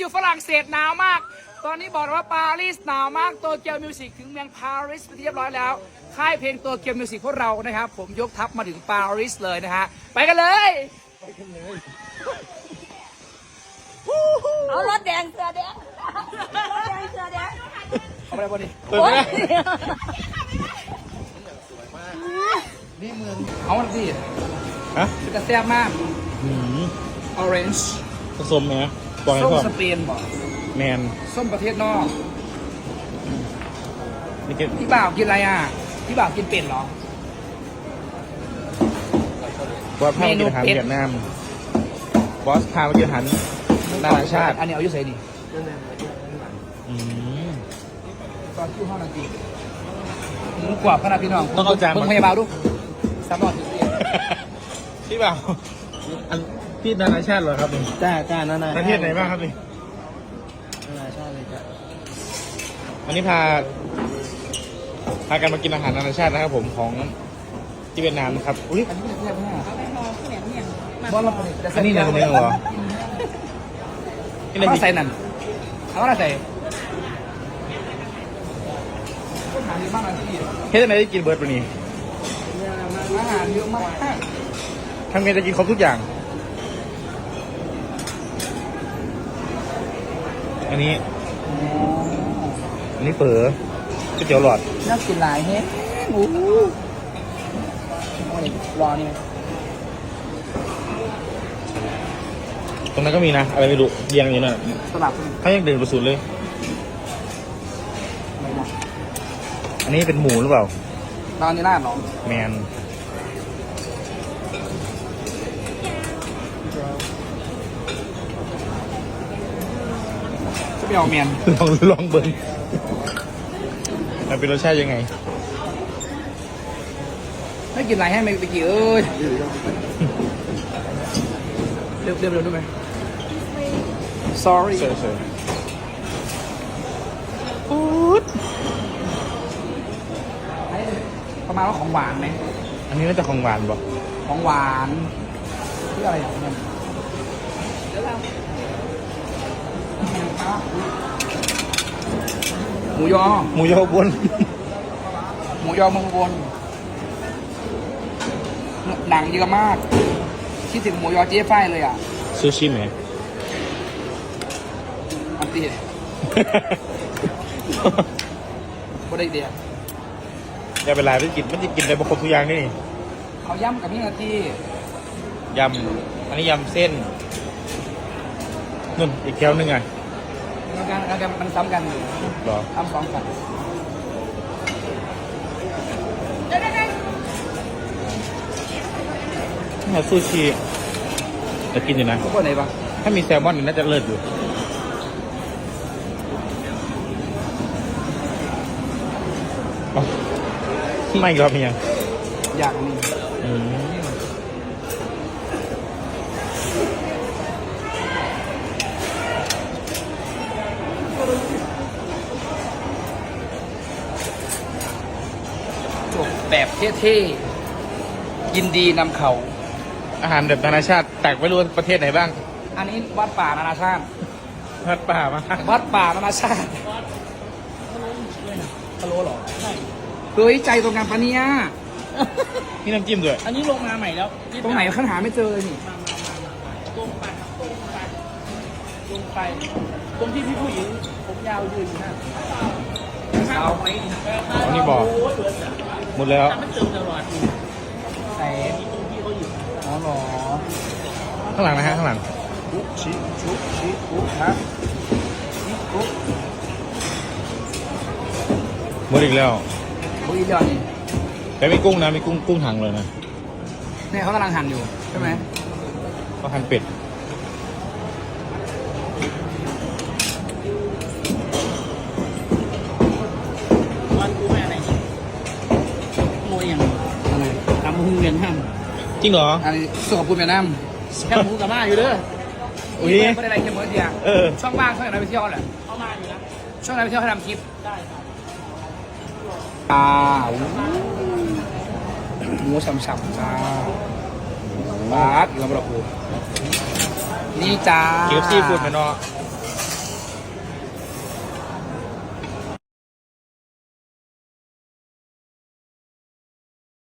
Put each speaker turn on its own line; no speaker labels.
อยู่ฝรั่งเศสหนาวมากตอนนี้บอกว่าปารีสหนาวมากโตเกียวมิวสิกถึงเมืองปารีสเป็นที่เรียบร้อยแล้วค่ายเพลงโตเกียวมิวสิกพวกเรานะครับผมยกทัพมาถึงปารีสเลยนะฮะไปกันเลย
เอารถแดงเสือแดงเสือแดง
เอาไปเลยบอดี้นี่เมืองเอาวันที่
ฮะ
จะแซ่บมากออเรนจ์
ผสมไหมบอกให้
ส้ม
พ่อ
สเปนบอก
แมน
ส้มประเทศนอก
นี่กิน
พี่บ่าวกินอะไรอ่ะพี่บ่าวกินเป็ดเหรอ
ว่าพาไปกินอาหารเวียดนามบอสพาไปกินอาหารนานาชาติ
อันนี้เอาอยู่ใส่นี่ตอนที่ห้องนาทีหมูกรอบขนาดพี่น้อง
ต้องเอาจาน
มึงพยาบาลดูสามรอด
พี่บ่าวอันพี่นานาชาติเหรอครับนี่
จ้านานา
ประเทศไหนบ้างครับนี่
นานาชาติเลยจ้ะ
วันนี้พากันมากินอาหารนานาชาตินะครับผมของที่เวียดนามนะครับอุ้ย
อันนี้แซ่บมาก
บอลเรา
อันนี้เนื้อเหรอ
เอาใส่นั่นเอาอะไรใส่อาหารเยอะมากนะพี่
เฮ้ยทำไมได้กินเบิร์ดวันนี้
อาหารเยอะมาก
ทำไงจะกินครบทุกอย่างอันนี้เฝอก๋วยเตี๋ยวหลอด
น่ากินหลายเฮ้ยโอ้โหรอนี่
ตรงนั้นก็มีนะอะไรไม่รู้เรียงอยู่น่ะ
สลับ
เขายังเดินไปสุดเลยอันนี้เป็นหมูหรือเปล่า
ตอนนี้น่าหรอ
แมน
จะไปเอาเมียน
ลองเบิ้งมันเป็นรสชาติยังไง
ไม่กินอะไรให้ไม่ไปกี่เอ้ยเร็วได้ไหม sorry
เฉย
ประมาณว่าของหวานไหม
อันนี้น่าจะของหวานป่ะ
ของหวานที่อะไรอย่างเงี้ยหมูยอ
หมูยอบน
หมูยอเมืองบนหนังเยอะมากคิดถึงหมูยอเจ๊ไฟเลยอ่ะ
ซูชิไหม
อันตีบ่ได้เดียว
อย่าไปลายมันจะกินได้ครบทุกอย่างนี่
เขาย่ำกับนี่นาที
ยำอันนี้ยำเส้นนุ่นอีกแก้วนึงไง
แล้วมันซ้ำกันอยู่
หรอ
ซ้ำสองกัน
นี่ซูชิจะกินอยู่นะ
พวกไหนปะ
ถ้ามีแซลมอนน่าจะเลิศอยู่ไม่ครับพี่ยัง
อยากมีจบแบบเท่ๆยินดีนำเขา
อาหารแบบนานาชาติแตกไม่รู้ประเทศไหนบ้าง
อันนี้วัดป่านานาชาติ
วัดป่ามา
วัดป่านานาชาติทะโลหรอใช่เฮ้ยใจตรงกันปะเนี่ย
นี่น้ำจิ้มด้วย
อันนี้ลงมาใหม่แล้ว
ตรงไหนขั้นหาไม่เจอเลยนี่
ลงไปตรงที่พี่ผู้หญิงผมยาวยืนอยู่นั่น
เอาไป
อันนี้บอกหมดแล้ว
มันเติมตลอด
แต่ตรงที่เขาอยู่อ๋อหรอ
ข้างหลังนะฮะข้างหลัง
ชุบชุบครับชุบ
หมดอีกแล้ว
บุยยอนี่
แต่ไม่กุ้งนะไม่กุ้งถังเลยนะ
เนี่ยเขากำลังหั่นอยู่ใช่ไหม
เขาหั่นเป็ด
วันกูแม่อะไรโมยอย่าง
อะไร
ตำหูเวียนห้าม
จริงเหรอ
อันนี้ส่งกับคุณเวียดนาม
แค่หมูกับมาอยู่เด้อ
อุ้ยไม่ได้อะไรแค่เมื่อเดียวช่องว่างช่องไหนไปเที่ยวแหละ
เข้ามาอยู่นะ
ช่องไหนไปเที่ยวให้ทำคลิป
ได้ครับ
หมูฉ่ำๆจ้าบาสอีกแล้วเราพูดนี่จ้า
เกี๊ยวซีฟู้ดไหมเนาะ